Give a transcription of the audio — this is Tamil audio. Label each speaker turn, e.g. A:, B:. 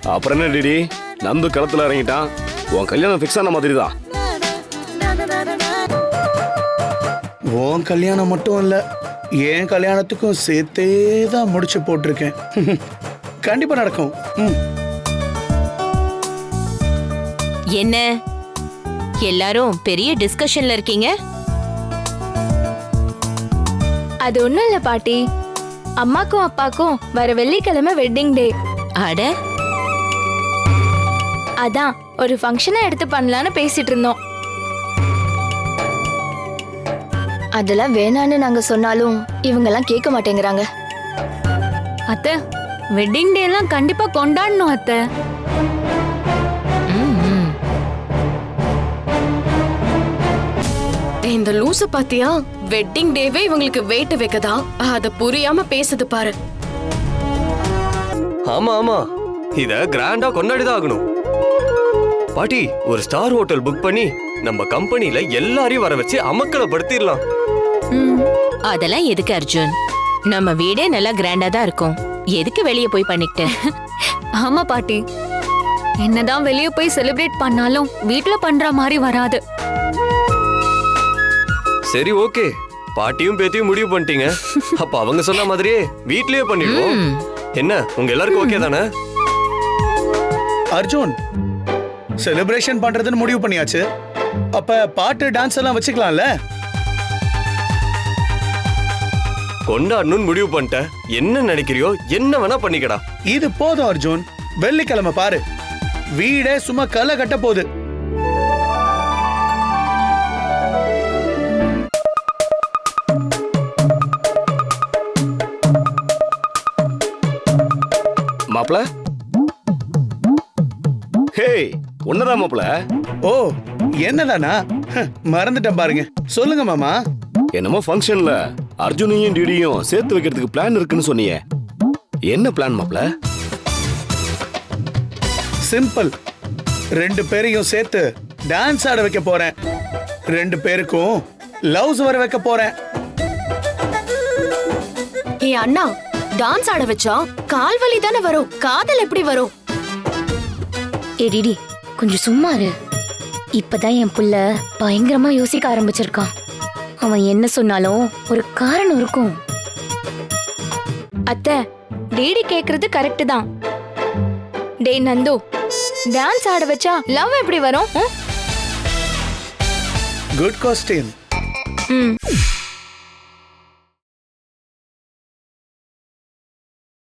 A: அப்புறம் என்ன டிடி, நந்து களத்துல இறங்கிட்டான். உன் கல்யாணம் ஃபிக்ஸ் ஆன மாதிரி தான்.
B: உன் கல்யாணம் மட்டும் இல்ல, என் கல்யாணத்துக்கும் சேர்த்தே தான் முடிச்சு போட்டிருக்கேன். கண்டிப்பா நடக்கும்.
C: என்ன எல்லாரும் பெரிய டிஸ்கஷன்ல இருக்கீங்க?
D: அது ஒண்ணும் இல்ல பாட்டி, அம்மாக்கும் அப்பாக்கும் வர வெள்ளிக்கிழமை வெட்டிங் டே.
C: அட,
D: அதான் ஒரு ஃபங்க்ஷனை எடுத்து பண்ணலான்னு பேசிட்டு இருந்தோம். அதெல்லாம் வேணான்னு நாங்க சொன்னாலும் இவங்க எல்லாம் கேட்க மாட்டேங்கிறாங்க.
E: அத்தை, வெட்டிங் டே எல்லாம் கண்டிப்பா கொண்டாடணும் அத்தை.
F: இந்த லூசு பாத்தியா, வெட்டிங் டேவே இவங்களுக்கு வெயிட் வைக்கதா, அத புரியாம பேசுது பாரு.
G: ஆமா ஆமா, இத கிராண்டா கொண்டாடிதான் ஆகணும். பாட்டி, ஒரு ஸ்டார் ஹோட்டல் புக் பண்ணி நம்ம கம்பெனில எல்லாரையும் வர வச்சு அமக்கலப்படுத்திடலாம்.
C: அதெல்லாம் எதுக்கு அர்ஜுன்? நம்ம வீடே நல்லா கிராண்டா தான் இருக்கும். எதுக்கு வெளியே போய் பண்ணிக்கிட்டு?
E: ஆமா பாட்டி, என்னதான் வெளியே போய் செலிப்ரேட் பண்ணாலும் வீட்ல பண்ற மாதிரி வராது.
G: சரி, ஓகே, பாட்டியும் பேத்தியும் முடிவு பண்ணிட்டீங்க. அப்ப அவங்க சொன்ன மாதிரியே வீட்லயே பண்ணிடுவோம். என்ன, உங்க எல்லாருக்கும் ஓகே தானே?
B: அர்ஜுன், செலிப்ரேஷன் பண்றதுன்னு முடிவு பண்ணியாச்சு. அப்ப பாட்டு டான்ஸ் எல்லாம் வச்சுக்கலாம்ல?
G: கொண்டாடணும்னு முடிவு பண்ணிட்ட. என்ன நினைக்கிறியோ என்ன வேணா பண்ணிக்கடா.
B: இது போதும் அர்ஜுன். வெள்ளிக்கிழமை பாரு, வீடே சும்மா களை கட்ட போகுது.
A: மாப்ள, ஹே, ஒன்னதான் மாப்ள.
B: ஓ, என்னதானா? மறந்துட்டேன் பாருங்க. சொல்லுங்க மாமா.
A: என்னமோ ஃபங்க்ஷன்ல அர்ஜுனையும் டிடியும் சேர்த்து வைக்கிறதுக்கு பிளான் இருக்குன்னு சொன்னீங்க. என்ன பிளான் மாப்ள?
B: சிம்பிள். 2 பேரையும் சேர்த்து டான்ஸ் ஆட வைக்க போறேன். 2 பேருக்கும் லவ்ஸ் வர வைக்க போறேன்.
F: ஏ அண்ணா, டான்ஸ் ஆட வச்சா கால் வலி தானே வரும், காதல் எப்படி வரும்?
D: எடிடி, கொஞ்சம் சும்மா இரு. இப்பதான் என் புள்ள பயங்கரமா யோசிக்க ஆரம்பிச்சிருக்கான். அவன் என்ன சொன்னாலும் ஒரு காரணம் இருக்கும். அத்தை, டேடி கேக்குறது கரெக்ட் தான். டே நந்து, டான்ஸ் ஆட வச்சா லவ் எப்படி வரும்?
B: Good question.